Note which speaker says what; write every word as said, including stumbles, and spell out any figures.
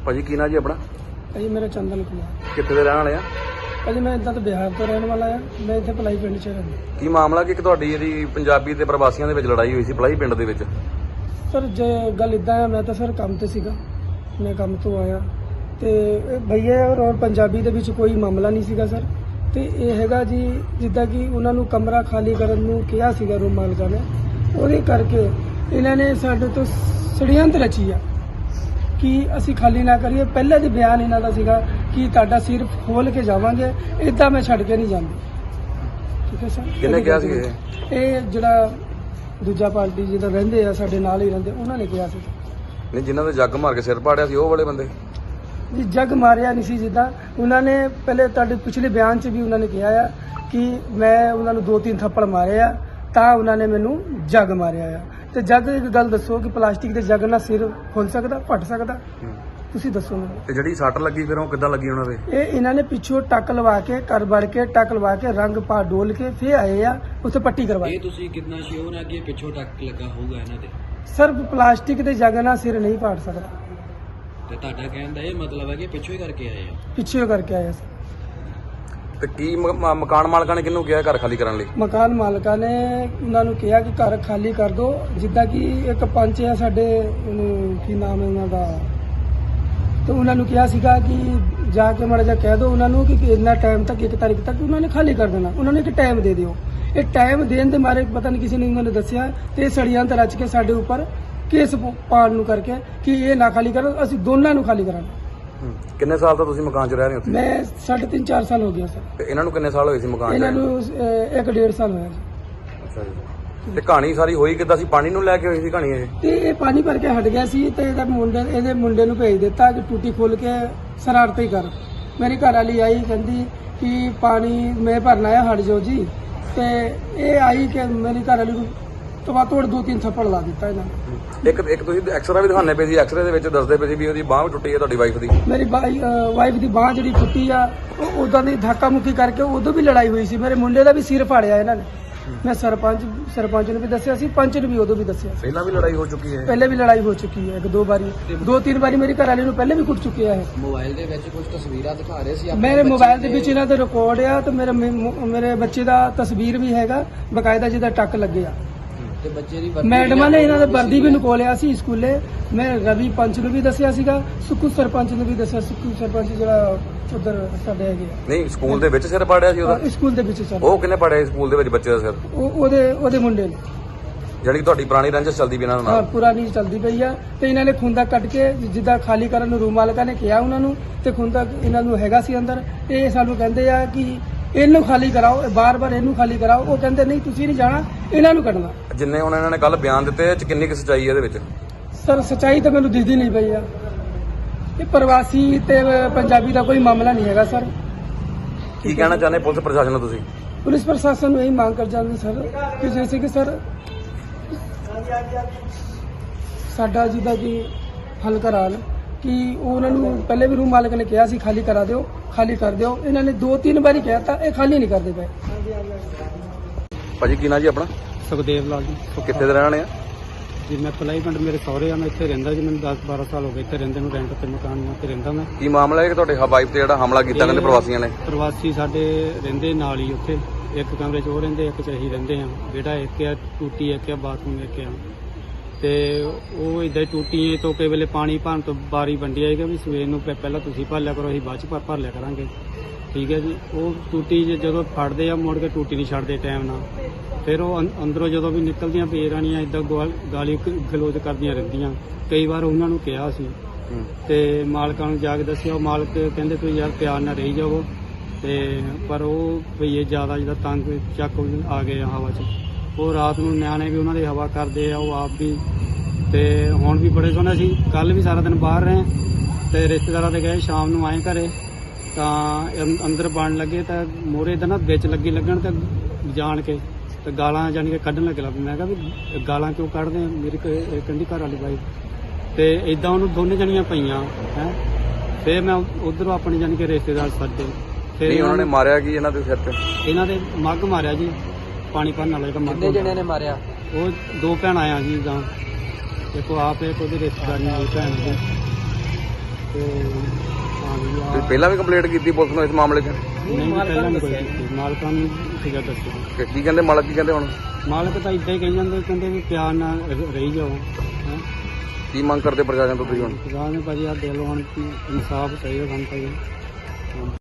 Speaker 1: ਭਾਜੀ ਕੀ ਨਾਂ ਜੀ ਆਪਣਾ?
Speaker 2: ਭਾਜੀ ਮੇਰਾ ਚੰਦਨ ਕੁਮਾਰ।
Speaker 1: ਕਿੱਥੇ ਦੇ ਰਹਿਣ ਵਾਲੇ ਆ?
Speaker 2: ਭਾਜੀ ਮੈਂ ਇੱਦਾਂ ਤਾਂ ਬਿਹਾਰ ਤੋਂ ਰਹਿਣ ਵਾਲਾ ਆ। ਮੈਂ ਇੱਥੇ ਭਲਾਈ ਪਿੰਡ 'ਚ ਰਹਿੰਦਾ।
Speaker 1: ਕੀ ਮਾਮਲਾ ਕਿ ਤੁਹਾਡੀ ਜਿਹੜੀ ਪੰਜਾਬੀ ਤੇ ਪ੍ਰਵਾਸੀਆਂ ਦੇ ਵਿੱਚ ਲੜਾਈ ਹੋਈ ਸੀ ਭਲਾਈ ਪਿੰਡ ਦੇ ਵਿੱਚ?
Speaker 2: ਸਰ ਜੇ ਗੱਲ ਇੱਦਾਂ ਆ, ਮੈਂ ਤਾਂ ਸਰ ਕੰਮ ਤੇ ਸੀਗਾ, ਮੈਂ ਕੰਮ ਤੋਂ ਆਇਆ ਤੇ ਭਈਆ ਔਰ ਪੰਜਾਬੀ ਦੇ ਵਿੱਚ ਕੋਈ ਮਾਮਲਾ ਨਹੀਂ ਸੀਗਾ ਸਰ। ਤੇ ਇਹ ਹੈਗਾ ਜੀ ਜਿੱਦਾਂ ਕਿ ਉਹਨਾਂ ਨੂੰ ਕਮਰਾ ਖਾਲੀ ਕਰਨ ਨੂੰ ਕਿਹਾ ਸੀਗਾ ਰੂਮ ਮਾਲਕਾਂ ਨੇ, ਉਹਦੇ ਕਰਕੇ ਇਹਨਾਂ ਨੇ ਸਾਡੇ ਤੋਂ ષੜਯੰਤਰ ਰਚੀ ਆ ਕਿ ਅਸੀਂ ਖਾਲੀ ਨਾ ਕਰੀਏ। ਪਹਿਲੇ ਦੇ ਬਿਆਨ ਇਹਨਾਂ ਦਾ ਸੀਗਾ ਕਿ ਤੁਹਾਡਾ ਸਿਰ ਖੋਲ ਕੇ ਜਾਵਾਂਗੇ, ਇਦਾਂ ਮੈਂ ਛੱਡ ਕੇ ਨਹੀਂ ਜਾਂਦੀ। ਠੀਕ ਹੈ ਸਰ।
Speaker 1: ਕਿਹਨੇ ਕਿਹਾ ਸੀ ਇਹ?
Speaker 2: ਇਹ ਜਿਹੜਾ ਦੂਜਾ ਪਾਰਟੀ ਜਿਹਦਾ ਰਹਿੰਦੇ ਆ ਸਾਡੇ ਨਾਲ ਹੀ ਰਹਿੰਦੇ, ਉਹਨਾਂ ਨੇ ਕਿਹਾ ਸੀ।
Speaker 1: ਨਹੀਂ, ਜਿਨ੍ਹਾਂ ਦੇ ਜੱਗ ਮਾਰ ਕੇ ਸਿਰ ਪਾੜਿਆ ਸੀ ਉਹ ਵਾਲੇ ਬੰਦੇ?
Speaker 2: ਜੀ ਜੱਗ ਮਾਰਿਆ ਨਹੀਂ ਸੀ, ਜਿੱਦਾਂ ਉਹਨਾਂ ਨੇ ਪਹਿਲੇ ਤੁਹਾਡੇ ਪਿਛਲੇ ਬਿਆਨ 'ਚ ਵੀ ਉਹਨਾਂ ਨੇ ਕਿਹਾ ਆ ਕਿ ਮੈਂ ਉਹਨਾਂ ਨੂੰ ਦੋ ਤਿੰਨ ਥੱਪੜ ਮਾਰੇ ਆ ਤਾਂ ਉਹਨਾਂ ਨੇ ਮੈਨੂੰ ਜੱਗ ਮਾਰਿਆ ਆ। ਤੇ ਜੱਗ ਇੱਕ ਗੱਲ ਦੱਸੋ ਕਿ ਪਲਾਸਟਿਕ ਦੇ ਜੱਗ ਨਾਲ ਸਿਰ ਖੁੱਲ ਸਕਦਾ, ਫਟ ਸਕਦਾ? ਤੁਸੀਂ ਦੱਸੋ ਮੈਨੂੰ।
Speaker 1: ਤੇ ਜਿਹੜੀ ਸੱਟ ਲੱਗੀ ਫਿਰ ਉਹ ਕਿੱਦਾਂ ਲੱਗੀ ਉਹਨਾਂ ਦੇ?
Speaker 2: ਇਹ ਇਹਨਾਂ ਨੇ ਪਿੱਛੋਂ ਟੱਕ ਲਵਾ ਕੇ ਕਰ ਵੜ ਕੇ ਟੱਕ ਲਵਾ ਕੇ ਰੰਗ ਪਾ ਡੋਲ ਕੇ ਫੇਰ ਆਏ ਆ, ਉੱਥੇ ਪੱਟੀ ਕਰਵਾਈ।
Speaker 3: ਇਹ ਤੁਸੀਂ ਕਿੰਨਾ ਸ਼ੋਰ ਹੈ ਕਿ ਪਿੱਛੋਂ ਟੱਕ ਲੱਗਾ ਹੋਊਗਾ ਇਹਨਾਂ ਦੇ?
Speaker 2: ਸਰ ਪਲਾਸਟਿਕ ਦੇ ਜੱਗ ਨਾਲ ਸਿਰ ਨਹੀਂ ਪਾੜ ਸਕਦਾ।
Speaker 3: ਤੇ ਤੁਹਾਡਾ ਕਹਿਣ ਦਾ ਇਹ ਮਤਲਬ ਹੈ ਕਿ ਪਿੱਛੋਂ ਹੀ ਕਰਕੇ ਆਏ ਆ?
Speaker 2: ਪਿੱਛੇ ਕਰਕੇ ਆਏ ਸਰ।
Speaker 1: ਤੇ ਕੀ ਮ- ਮ- ਮਕਾਨ ਮਾਲਕਾਂ ਨੇ ਕਿਹਨੂੰ ਕਿਹਾ ਘਰ ਖਾਲੀ ਕਰਨ ਲਈ?
Speaker 2: ਮਕਾਨ ਮਾਲਕਾਂ ਨੇ ਉਹਨਾਂ ਨੂੰ ਕਿਹਾ ਕਿ ਘਰ ਖਾਲੀ ਕਰ ਦਿਓ। ਜਿੱਦਾਂ ਕਿ ਇੱਕ ਪੰਚ ਹੈ ਸਾਡੇ, ਉਹਨੂੰ ਕੀ ਨਾਮ ਹੈ ਉਹਨਾਂ ਦਾ, ਤੇ ਉਹਨਾਂ ਨੂੰ ਕਿਹਾ ਸੀਗਾ ਕਿ ਜਾ ਕੇ ਮਾੜਾ ਜਿਹਾ ਕਹਿ ਦਿਓ ਉਹਨਾਂ ਨੂੰ ਕਿ ਇੰਨਾ ਟਾਈਮ ਤੱਕ, ਇੱਕ ਤਾਰੀਖ ਤੱਕ ਉਹਨਾਂ ਨੇ ਖਾਲੀ ਕਰ ਦੇਣਾ। ਉਹਨਾਂ ਨੇ ਇੱਕ ਟਾਈਮ ਦੇ ਦਿਓ। ਇਹ ਟਾਈਮ ਦੇਣ ਦੇ ਮਾਰੇ ਪਤਾ ਨਹੀਂ ਕਿਸੇ ਨੇ ਉਹਨਾਂ ਨੇ ਦੱਸਿਆ ਤੇ षड्यंत्र ਰਚ ਕੇ ਸਾਡੇ ਉੱਪਰ ਕੇਸ ਪਾਉਣ ਨੂੰ ਕਰਕੇ ਕਿ ਇਹ ਨਾ ਖਾਲੀ ਕਰੋ, ਅਸੀਂ ਦੋਨਾਂ ਨੂੰ ਖਾਲੀ ਕਰਾਂਗੇ।
Speaker 1: ਕਿੰਨੇ ਸਾਲ ਤੋਂ ਤੁਸੀਂ ਮਕਾਨ 'ਚ ਰਹਿ ਰਹੇ ਹੋ ਉੱਥੇ?
Speaker 2: ਮੈਂ ਸਾਢੇ ਤਿੰਨ ਚਾਰ ਸਾਲ ਹੋ ਗਿਆ ਸਰ।
Speaker 1: ਤੇ ਇਹਨਾਂ ਨੂੰ ਕਿੰਨੇ ਸਾਲ ਹੋਏ ਸੀ ਮਕਾਨ 'ਚ?
Speaker 2: ਇਹਨਾਂ ਨੂੰ ਅਹ, ਇੱਕ ਡੇਢ ਸਾਲ ਹੋਇਆ ਜੀ।
Speaker 1: ਅੱਛਾ ਜੀ। ਤੇ ਕਹਾਣੀ ਸਾਰੀ ਹੋਈ ਕਿੱਦਾਂ ਸੀ? ਪਾਣੀ ਨੂੰ ਲੈ ਕੇ ਹੋਈ ਸੀ ਕਹਾਣੀ ਇਹ?
Speaker 2: ਤੇ ਇਹ ਪਾਣੀ ਭਰ ਕੇ ਹਟ ਗਿਆ ਸੀ ਤੇ ਇਹਦਾ ਮੁੰਡੇ ਇਹਦੇ ਮੁੰਡੇ ਨੂੰ ਭੇਜ ਦਿੱਤਾ ਕਿ ਟੂਟੀ ਖੋਲ ਕੇ ਸ਼ਰਾਰਤ ਹੀ ਕਰ। ਮੇਰੀ ਘਰ ਵਾਲੀ ਆਈ, ਕਹਿੰਦੀ ਕਿ ਪਾਣੀ ਮੈਂ ਭਰਨਾ ਹੈ, ਹਟ ਜਾਓ ਜੀ। ਤੇ ਇਹ ਆਈ ਕਿ ਮੇਰੀ ਘਰ ਵਾਲੀ ਨੂੰ ਤਵਾ ਤੋੜ ਦੋ ਤਿੰਨ ਥੱਪੜ ਲਾ ਦਿੱਤਾ ਇਹਨਾਂ ਨੇ।
Speaker 1: ਇੱਕ ਇੱਕ ਤੁਸੀਂ ਐਕਸਰਾ ਵੀ ਦਿਖਾਣੇ ਪਏ ਸੀ, ਐਕਸਰੇ ਦੇ ਵਿੱਚ ਦੱਸਦੇ ਪਏ ਸੀ ਵੀ ਉਹਦੀ ਬਾਂਹ ਵੀ ਟੁੱਟੀ ਹੈ ਤੁਹਾਡੀ ਵਾਈਫ ਦੀ।
Speaker 2: ਮੇਰੀ ਵਾਈਫ ਦੀ ਬਾਂਹ ਜਿਹੜੀ ਟੁੱਟੀ ਆ, ਉਹ ਉਦਾਂ ਦੀ ਧੱਕਾ ਮੁੱਕੀ ਕਰਕੇ ਉਦੋਂ ਵੀ ਲੜਾਈ ਹੋਈ ਸੀ। ਮੇਰੇ ਮੁੰਡੇ ਦਾ ਵੀ ਸਿਰ ਫਾੜਿਆ ਇਹਨਾਂ ਨੇ। ਮੈਂ ਸਰਪੰਚ ਸਰਪੰਚ ਨੂੰ ਵੀ ਦੱਸਿਆ ਸੀ, ਪੰਚ ਨੂੰ ਵੀ ਉਦੋਂ ਵੀ ਦੱਸਿਆ ਸੀ।
Speaker 1: ਪਹਿਲਾਂ ਵੀ ਲੜਾਈ ਹੋ ਚੁੱਕੀ ਹੈ?
Speaker 2: ਪਹਿਲੇ ਵੀ ਲੜਾਈ ਹੋ ਚੁੱਕੀ ਹੈ, ਇੱਕ ਦੋ ਵਾਰੀ, ਦੋ ਤਿੰਨ ਵਾਰੀ ਮੇਰੀ ਘਰ ਵਾਲੀ ਨੂੰ ਪਹਿਲੇ ਵੀ ਕੁੱਟ ਚੁੱਕਿਆ ਹੈ।
Speaker 3: ਮੋਬਾਈਲ ਦੇ ਵਿੱਚ ਕੁਝ ਤਸਵੀਰਾਂ ਦਿਖਾ ਰਹੇ ਸੀ
Speaker 2: ਮੇਰੇ ਮੋਬਾਈਲ ਦੇ ਵਿੱਚ ਇਹਨਾਂ ਦਾ ਰਿਕਾਰਡ ਆ ਤੇ ਮੇਰੇ ਮੇਰੇ ਬੱਚੇ ਦਾ ਤਸਵੀਰ ਵੀ ਹੈਗਾ ਬਕਾਇਦਾ, ਜਿਹਦਾ ਟੱਕ ਲੱਗਿਆ।
Speaker 3: ਤੇ ਬੱਚੇ ਦੀ
Speaker 2: ਮੈਡਮਾਂ ਨੇ ਇਹਨਾਂ ਦਾ ਵਰਦੀ ਵੀ ਨਿਕੋਲਿਆ ਸੀ ਸਕੂਲੇ। ਮੈਂ ਰਵੀ ਪੰਚ ਨੂੰ ਵੀ ਦੱਸਿਆ ਸੀਗਾ, ਸੁੱਕੂ ਸਰਪੰਚ ਨੂੰ ਵੀ ਦੱਸਿਆ। ਸੁੱਕੂ ਸਰਪੰਚ ਜਿਹੜਾ ਉਧਰ ਸਾਡੇ ਹੈਗੇ ਆ।
Speaker 1: ਨਹੀਂ, ਸਕੂਲ ਦੇ ਵਿੱਚ ਸਿਰ ਪਾੜਿਆ ਸੀ ਉਹਦਾ?
Speaker 2: ਸਕੂਲ ਦੇ ਵਿੱਚ ਸਰ।
Speaker 1: ਉਹ ਕਿੰਨੇ ਪਾੜਿਆ ਸਕੂਲ ਦੇ ਵਿੱਚ ਬੱਚੇ ਦਾ ਸਿਰ?
Speaker 2: ਉਹ ਉਹਦੇ ਉਹਦੇ ਮੁੰਡੇ ਨੇ।
Speaker 1: ਜਿਹੜੀ ਤੁਹਾਡੀ ਪੁਰਾਣੀ ਰੰਜਿਸ਼ ਚੱਲਦੀ ਵੀ ਇਹਨਾਂ
Speaker 2: ਹਾਂ,
Speaker 1: ਨਾਲ?
Speaker 2: ਪੁਰਾਣੀ ਚੱਲਦੀ ਪਈ ਆ। ਤੇ ਇਹਨਾਂ ਨੇ ਖੁੰਦਾ ਕੱਟ ਕੇ ਜਿੱਦਾਂ ਖਾਲੀ ਕਰਨ ਨੂੰ ਰੂਮ ਮਾਲਕਾਂ ਨੇ ਕਿਹਾ ਉਹਨਾਂ ਨੂੰ, ਤੇ ਖੁੰਦਾ ਇਹਨਾਂ ਨੂੰ ਹੈਗਾ ਸੀ ਅੰਦਰ। ਇਹ ਸਾਨੂੰ ਕਹਿੰਦੇ ਆ ਕਿ ਇਹਨੂੰ ਖਾਲੀ ਕਰਾਓ, ਬਾਰ-ਬਾਰ ਇਹਨੂੰ ਖਾਲੀ ਕਰਾਓ। ਉਹ ਕਹਿੰਦੇ ਨਹੀਂ, ਤੁਸੀਂ ਨਹੀਂ ਜਾਣਾ, ਇਹਨਾਂ ਨੂੰ ਕੱਢਣਾ।
Speaker 1: ਜਿੰਨੇ ਹੁਣ ਇਹਨਾਂ ਨੇ ਕੱਲ ਬਿਆਨ ਦਿੱਤੇ ਇਹ 'ਚ ਕਿੰਨੀ ਕੁ ਸੱਚਾਈ ਹੈ ਇਹਦੇ ਵਿੱਚ?
Speaker 2: ਸਰ ਸੱਚਾਈ ਤਾਂ ਮੈਨੂੰ ਦਿਖਦੀ ਨਹੀਂ ਪਈ ਆ। ਇਹ ਪ੍ਰਵਾਸੀ ਤੇ ਪੰਜਾਬੀ ਦਾ ਕੋਈ ਮਾਮਲਾ ਨਹੀਂ ਹੈਗਾ ਸਰ।
Speaker 1: ਕੀ ਕਹਿਣਾ ਚਾਹੁੰਦੇ ਪੁਲਿਸ ਪ੍ਰਸ਼ਾਸਨ ਨੂੰ ਤੁਸੀਂ?
Speaker 2: ਪੁਲਿਸ ਪ੍ਰਸ਼ਾਸਨ ਨੂੰ ਇਹੀ ਮੰਗ ਕਰ ਜਾਂਦੇ ਸਰ ਕਿ ਜੈਸੇ ਕਿ ਸਰ ਸਾਡਾ ਜਿਹਦਾ ਕਿ ਹੱਲ ਕਰਾਉਣ ਕਿ ਉਹਨਾਂ ਨੂੰ ਪਹਿਲੇ ਵੀ ਰੂਮ ਮਾਲਕ ਨੇ ਕਿਹਾ ਸੀ ਖਾਲੀ ਕਰਾ ਦਿਓ, ਖਾਲੀ ਕਰ ਦਿਓ। ਇਹਨਾਂ ਨੇ ਦੋ ਤਿੰਨ ਵਾਰੀ ਕਿਹਾ ਤਾਂ ਇਹ ਖਾਲੀ ਨਹੀਂ ਕਰਦੇ ਪਏ।
Speaker 1: ਭਾਜੀ ਕੀ ਨਾਂ ਜੀ ਆਪਣਾ?
Speaker 2: ਸੁਖਦੇਵ ਲਾਲ ਜੀ।
Speaker 1: ਕਿੱਥੇ ਦੇ ਰਹਿਣ ਵਾਲੇ ਆ?
Speaker 2: ਜੀ ਮੈਂ ਪਲਾਈ ਪਿੰਡ, ਮੇਰੇ ਸਹੁਰੇ ਆ। ਮੈਂ ਇੱਥੇ ਰਹਿੰਦਾ ਜੀ, ਮੈਨੂੰ ਦਸ ਬਾਰਾਂ ਸਾਲ ਹੋ ਗਏ ਇੱਥੇ ਰਹਿੰਦੇ ਨੂੰ। ਰੈਂਟ ਤੇ ਮਕਾਨ ਤੇ ਰਹਿੰਦਾ ਮੈਂ।
Speaker 1: ਕੀ ਮਾਮਲਾ ਹੈ ਕਿ ਤੁਹਾਡੇ ਵਾਈਫ ਤੇ ਜਿਹੜਾ ਹਮਲਾ ਕੀਤਾ ਕਹਿੰਦੇ ਪ੍ਰਵਾਸੀਆਂ ਨੇ?
Speaker 2: ਪ੍ਰਵਾਸੀ ਸਾਡੇ ਰਹਿੰਦੇ ਨਾਲ ਹੀ ਉੱਥੇ, ਇੱਕ ਕਮਰੇ 'ਚ ਉਹ ਰਹਿੰਦੇ, ਇੱਕ 'ਚ ਅਸੀਂ ਰਹਿੰਦੇ ਆ। ਬੇਟਾ ਇੱਕ ਆ, ਟੂਟੀ ਇੱਕ ਆ, ਬਾਥਰੂਮ ਇੱਕ ਆ। ਤੇ ਉਹ ਇਦਾਂ ਹੀ ਟੂਟੀਆਂ ਤੋਂ ਕਈ ਵੇਲੇ ਪਾਣੀ ਭਰਨ ਤੋਂ ਬਾਰੀ ਵੰਡੀ ਆਏਗਾ ਵੀ ਸਵੇਰ ਨੂੰ ਪਹਿਲਾਂ ਤੁਸੀਂ ਭਰ ਲਿਆ ਕਰੋ, ਅਸੀਂ ਬਾਅਦ 'ਚ ਭਰ ਭਰ ਲਿਆ ਕਰਾਂਗੇ। ਠੀਕ ਹੈ ਜੀ। ਉਹ ਟੂਟੀ ਜਦੋਂ ਫੜਦੇ ਆ ਮੁੜ ਕੇ ਟੂਟੀ ਨਹੀਂ ਛੱਡਦੇ ਟਾਈਮ ਨਾਲ। ਫਿਰ ਉਹ ਅੰਦਰੋਂ ਜਦੋਂ ਵੀ ਨਿਕਲਦੀਆਂ ਪੇਰਾਣੀਆਂ ਇਦਾਂ ਗਾਲੀ ਗਲੋਚ ਕਰਦੀਆਂ ਰਹਿੰਦੀਆਂ। ਕਈ ਵਾਰ ਉਹਨਾਂ ਨੂੰ ਕਿਹਾ ਸੀ ਤੇ ਮਾਲਕਾਂ ਨੂੰ ਜਾ ਕੇ ਦੱਸਿਆ। ਉਹ ਮਾਲਕ ਕਹਿੰਦੇ ਤੁਸੀਂ ਯਾਰ ਪਿਆਰ ਨਾਲ ਰਹੀ ਜਾਵੋ। ਤੇ ਪਰ ਉਹ ਭਈਏ ਜ਼ਿਆਦਾ ਜਿਹਦਾ ਤੰਗ ਚੱਕ ਆ ਗਏ ਆ ਹਵਾ 'ਚ। ਉਹ ਰਾਤ ਨੂੰ ਨਿਆਣੇ ਵੀ ਉਹਨਾਂ ਦੀ ਹਵਾ ਕਰਦੇ ਆ, ਉਹ ਆਪ ਵੀ। ਤੇ ਹੁਣ ਵੀ ਬੜੇ ਸੋਹਣੇ ਸੀ। ਕੱਲ ਵੀ ਸਾਰਾ ਦਿਨ ਬਾਹਰ ਰਹੇ ਤੇ ਰਿਸ਼ਤੇਦਾਰਾਂ ਦੇ ਗਏ, ਸ਼ਾਮ ਨੂੰ ਆਏ ਘਰੇ ਤਾਂ ਅੰਦਰ ਬਣ ਲੱਗੇ ਤਾਂ ਮੋਰੇ ਦਾ ਨਾ ਵਿੱਚ ਲੱਗੀ ਲੱਗਣ ਤੇ ਜਾਣ ਕੇ ਤੇ ਗਾਲਾਂ ਜਾਣੀ ਕਿ ਕੱਢਣ ਲੱਗ ਲੱਗ। ਮੈਂ ਕਿਹਾ ਵੀ ਗਾਲਾਂ ਕਿਉਂ ਕੱਢਦੇ ਆ? ਮੇਰੀ ਕੰਢੀ ਘਰ ਵਾਲੀ ਬਾਈ ਤੇ ਇਦਾਂ ਉਹਨੂੰ ਦੋਨੇ ਜਣੀਆਂ ਪਈਆਂ ਹੈ। ਫਿਰ ਮੈਂ ਉਧਰੋਂ ਆਪਣੀ ਜਾਣੀ ਕਿ ਰਿਸ਼ਤੇਦਾਰ ਸੱਦੇ।
Speaker 1: ਫਿਰ ਉਹਨਾਂ ਨੇ ਮਾਰਿਆ ਕੀ ਇਹਨਾਂ ਦੇ ਸਿਰ ਤੇ?
Speaker 2: ਇਹਨਾਂ ਦੇ ਮੱਗ ਮਾਰਿਆ ਜੀ, ਪਾਣੀ ਭਰਨ ਵਾਲਾ ਜਿਹੜਾ ਮੱਗ।
Speaker 3: ਕਿੰਨੇ ਜਣਿਆਂ ਨੇ ਮਾਰਿਆ?
Speaker 2: ਉਹ ਦੋ ਭੈਣਾਂ ਆ ਜੀ। ਜਾਂ ਦੇਖੋ ਆਪ ਇੱਕ ਉਹਦੇ ਰਿਸ਼ਤੇਦਾਰੀਆਂ ਦੀ ਭੈਣ ਦੀ। ਤੇ ਪਾਣੀ
Speaker 1: ਤੁਸੀਂ
Speaker 2: ਆ
Speaker 1: ਪਹਿਲਾਂ ਵੀ ਕੰਪਲੇਂਟ ਕੀਤੀ ਪੁਲਿਸ ਨੂੰ ਇਸ ਮਾਮਲੇ 'ਚ
Speaker 2: ਨਹੀਂ ਪਹਿਲਾਂ ਨਹੀਂ ਕੋਈ ਕੀਤੀ। ਮਾਲਕਾਂ ਨੂੰ ਸੀਗਾ ਦੱਸਿਆ।
Speaker 1: ਕਿ ਕੀ ਕਹਿੰਦੇ ਮਾਲਕ ਕੀ ਕਹਿੰਦੇ ਹੁਣ
Speaker 2: ਮਾਲਕ ਤਾਂ ਇਦਾਂ ਹੀ ਕਹੀ ਜਾਂਦੇ, ਕਹਿੰਦੇ ਵੀ ਪਿਆਰ ਨਾਲ ਰ- ਰਹੀ ਜਾਓ ਹੈਂ।
Speaker 1: ਕੀ ਮੰਗ ਕਰਦੇ ਪ੍ਰਸ਼ਾਸਨ ਤੋਂ ਤੁਸੀਂ ਹੁਣ?
Speaker 2: ਰਾਹ ਨੇ ਭਾਜੀ ਆ ਦੇ ਲੋ ਹੁਣ ਇਨਸਾਫ ਚਾਹੀਦਾ ਸਾਨੂੰ ਭਾਜੀ।